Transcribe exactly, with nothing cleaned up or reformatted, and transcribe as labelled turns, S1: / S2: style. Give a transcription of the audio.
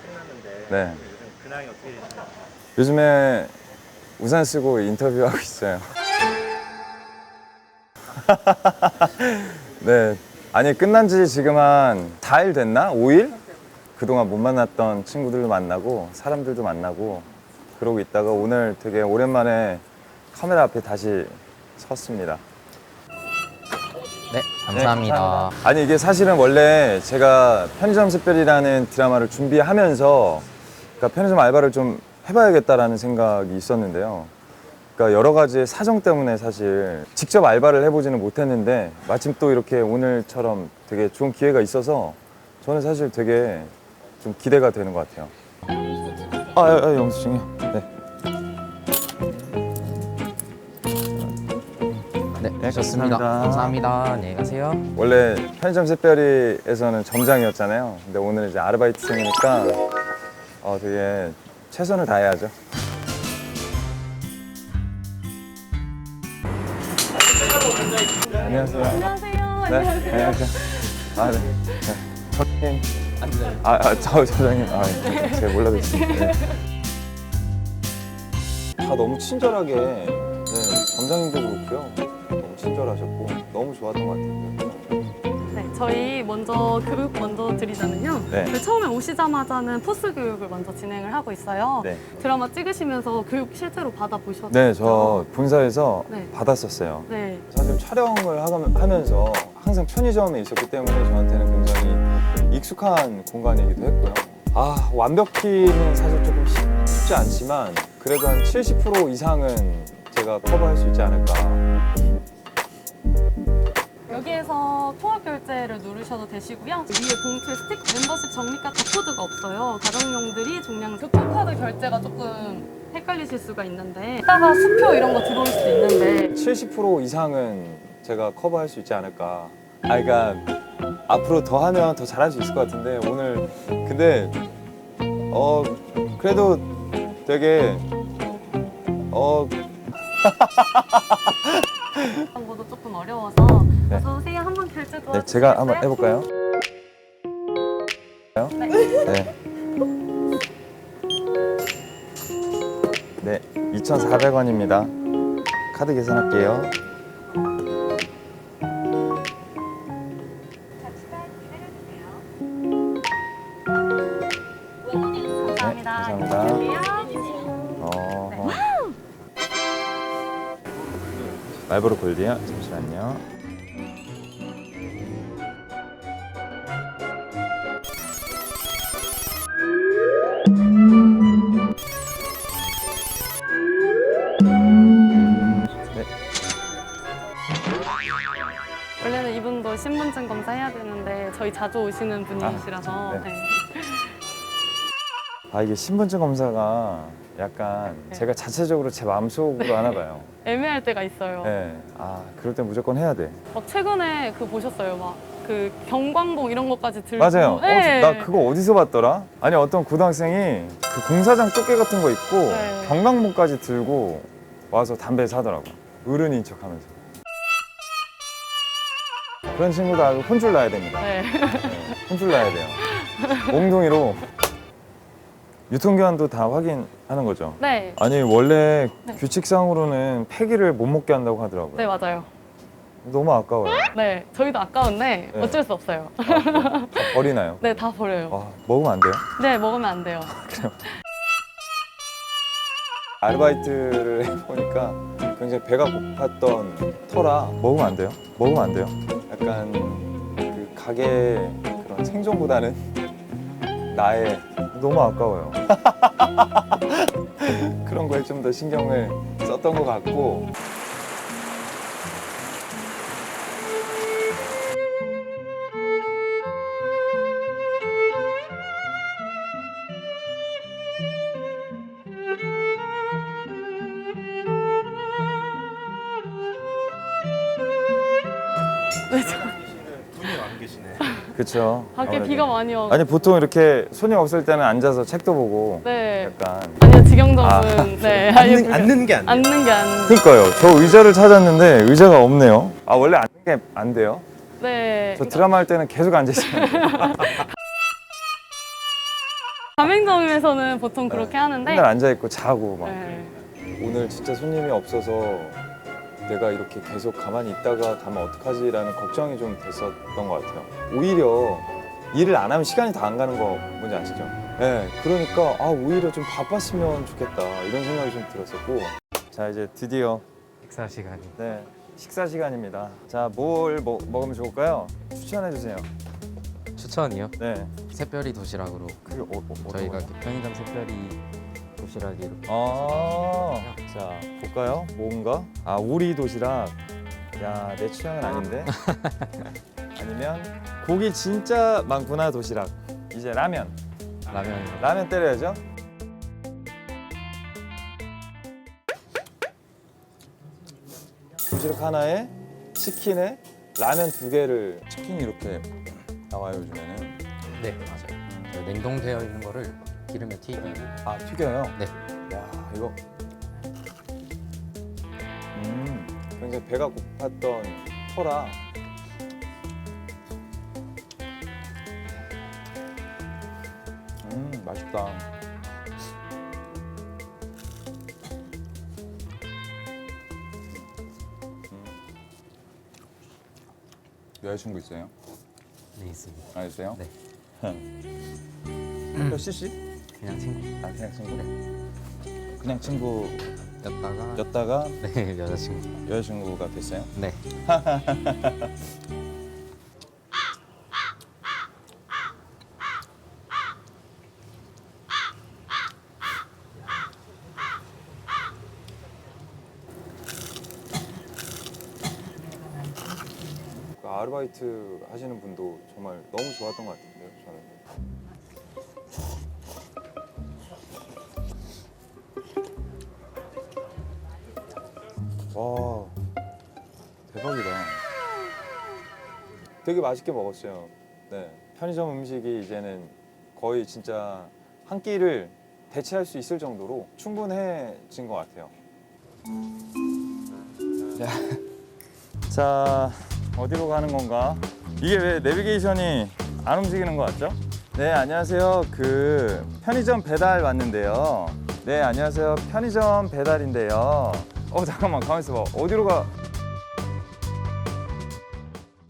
S1: 끝났는데
S2: 네.
S1: 요즘 근황이 어떻게 되시나요?
S2: 요즘에 우산 쓰고 인터뷰하고 있어요. 네. 아니, 끝난 지 지금 한 사 일 됐나? 오 일? 그동안 못 만났던 친구들도 만나고, 사람들도 만나고, 그러고 있다가 오늘 되게 오랜만에 카메라 앞에 다시 섰습니다.
S3: 네, 감사합니다.
S2: 네, 감사합니다. 아니, 이게 사실은 원래 제가 편의점 샛별이라는 드라마를 준비하면서 그러니까 편의점 알바를 좀 해봐야겠다라는 생각이 있었는데요. 그러니까 여러 가지 사정 때문에 사실 직접 알바를 해보지는 못했는데 마침 또 이렇게 오늘처럼 되게 좋은 기회가 있어서 저는 사실 되게 좀 기대가 되는 것 같아요. 아, 아, 아 영수증이요? 네.
S3: 네,
S2: 네,
S3: 좋습니다.
S2: 감사합니다.
S3: 감사합니다. 안녕히 가세요.
S2: 원래 편의점 샛별이에서는 점장이었잖아요. 근데 오늘 이제 아르바이트생이니까 어, 되게 최선을 다해야죠. 안녕하세요.
S4: 안녕하세요.
S2: 네, 안녕하세요. 아, 네. 네. 저님. 아, 아, 저, 저장님. 아, 네. 제가 몰라뵙습니다. 네. 다 너무 친절하게, 네, 점장님도 그렇고요. 너무 친절하셨고, 너무 좋았던 것 같아요.
S4: 네, 저희 먼저 교육 먼저 드리자면요.
S2: 네.
S4: 저희 처음에 오시자마자는 포스 교육을 먼저 진행을 하고 있어요.
S2: 네.
S4: 드라마 찍으시면서 교육 실제로 받아보셨죠?
S2: 네, 저 본사에서
S4: 네.
S2: 받았었어요.
S4: 네.
S2: 사실 촬영을 하가- 하면서 항상 편의점에 있었기 때문에 저한테는 굉장히 익숙한 공간이기도 했고요. 아, 완벽히는 사실 조금 쉽- 쉽지 않지만 그래도 한 칠십 퍼센트 이상은 제가 커버할 수 있지 않을까.
S4: 여기에서 통합 결제를 누르셔도 되시고요. 위에 봉투에 스틱 멤버십 적립과 바코드가 없어요. 가정용들이 종량 교통카드 결제가 조금 헷갈리실 수가 있는데 이따가 수표 이런 거 들어올 수도 있는데
S2: 칠십 퍼센트 이상은 제가 커버할 수 있지 않을까. 아, 그러니까 앞으로 더 하면 더 잘할 수 있을 것 같은데 오늘 근데 어 그래도 되게 어
S4: 그런 것도 조금 어려워서
S2: 네.
S4: 어서 오세요. 한번 결제 도와주세요.
S2: 네, 제가 한번 해볼까요?
S4: 네.
S2: 네. 네, 이천사백 원입니다. 카드 계산할게요.
S4: 감사합니다.
S2: 네, 감사합니다.
S4: 안녕하세요.
S2: 어. 말보로 골드요? 잠시만요. 네.
S4: 원래는 이분도 신분증 검사해야 되는데 저희 자주 오시는 분이시라서
S2: 아, 네.
S4: 네.
S2: 아, 이게 신분증 검사가 약간
S4: 네.
S2: 제가 자체적으로 제 마음속으로 하나 봐요.
S4: 애매할 때가 있어요.
S2: 네. 아, 그럴 때 무조건 해야 돼.
S4: 막 최근에 그 보셨어요? 막 그 경광봉 이런 것까지 들고
S2: 맞아요.
S4: 네.
S2: 어, 나 그거 어디서 봤더라? 아니, 어떤 고등학생이 그 공사장 조끼 같은 거 입고
S4: 네.
S2: 경광봉까지 들고 와서 담배 사더라고. 어른인 척 하면서. 그런 친구도 아주 혼줄 나야 됩니다.
S4: 네.
S2: 네, 혼줄 나야 돼요. 몽둥이로 유통기한도 다 확인하는 거죠.
S4: 네.
S2: 아니, 원래
S4: 네.
S2: 규칙상으로는 폐기를 못 먹게 한다고 하더라고요.
S4: 네, 맞아요.
S2: 너무 아까워요.
S4: 네, 저희도 아까운데
S2: 네.
S4: 어쩔 수 없어요.
S2: 아, 그래요? 다 버리나요?
S4: 네, 다 버려요.
S2: 와, 먹으면 안 돼요?
S4: 네, 먹으면 안 돼요.
S2: 아르바이트를 해보니까 굉장히 배가 고팠던 터라 먹으면 안 돼요? 먹으면 안 돼요? 약간 그 가게 그런 생존보다는 나의 너무 아까워요. 그런 거에 좀 더 신경을 썼던 것 같고.
S4: 네, 저
S1: 분이 안 계시네.
S2: 그렇죠.
S4: 밖에 비가 많이 와서.
S2: 아니, 보통 이렇게 손이 없을 때는 앉아서 책도 보고
S4: 네.
S2: 약간.
S4: 아니요, 지경점은
S2: 아,
S4: 네. 아예
S1: 앉는,
S4: 불-
S1: 앉는 게 안 돼.
S4: 앉는 게 안.
S2: 그러니까요. 저 의자를 찾았는데 의자가 없네요. 아, 원래 앉는 게 안 돼요?
S4: 네.
S2: 저 드라마 할 때는 계속 앉아 있어요.
S4: 가맹점에서는 보통 그렇게 하는데
S2: 맨날 앉아 있고 자고 막.
S4: 네.
S2: 오늘 진짜 손님이 없어서 내가 이렇게 계속 가만히 있다가 가면 어떡하지라는 걱정이 좀 됐었던 것 같아요. 오히려 일을 안 하면 시간이 다 안 가는 거 뭔지 아시죠? 네, 그러니까 아 오히려 좀 바빴으면 좋겠다 이런 생각이 좀 들었었고. 자, 이제 드디어
S3: 식사 시간이.
S2: 네, 식사 시간입니다. 자, 뭘 먹, 먹으면 좋을까요? 추천해 주세요.
S3: 추천이요?
S2: 네,
S3: 새별이 도시락으로.
S2: 그게 어, 어, 어떤
S3: 저희가
S2: 거예요?
S3: 이렇게 편의점 새별이 도시락이 이렇게.
S2: 아, 자 볼까요? 뭔가? 아, 오리 도시락. 야, 내 취향은 아닌데. 아니면 고기 진짜 많구나 도시락. 이제 라면.
S3: 라면.
S2: 라면 때려야죠. 도시락 하나에 치킨에 라면 두 개를. 치킨이 이렇게 나와요 요즘에는.
S3: 네, 맞아요. 저희 냉동되어 있는 거를 기름에 튀기고.
S2: 아, 튀겨요?
S3: 네.
S2: 야, 이거 음 굉장히 배가 고팠던 터라 음 맛있다. 음. 여자친구 있어요?
S3: 네, 있습니다.
S2: 아, 있어요?
S3: 네.
S2: 몇 씨씨?
S3: 그냥 친구.
S2: 아, 그냥 친구? 그냥 친구였다가
S3: 였다가 네, 여자친구.
S2: 여자친구가 됐어요?
S3: 네.
S2: 그 아르바이트 하시는 분도 정말 너무 좋았던 것 같은데요, 저는. 와, 대박이다. 되게 맛있게 먹었어요. 네, 편의점 음식이 이제는 거의 진짜 한 끼를 대체할 수 있을 정도로 충분해진 것 같아요. 자, 자, 어디로 가는 건가? 이게 왜 내비게이션이 안 움직이는 것 같죠? 네, 안녕하세요. 그 편의점 배달 왔는데요. 네, 안녕하세요. 편의점 배달인데요. 어, 잠깐만, 가만 있어봐. 어디로 가?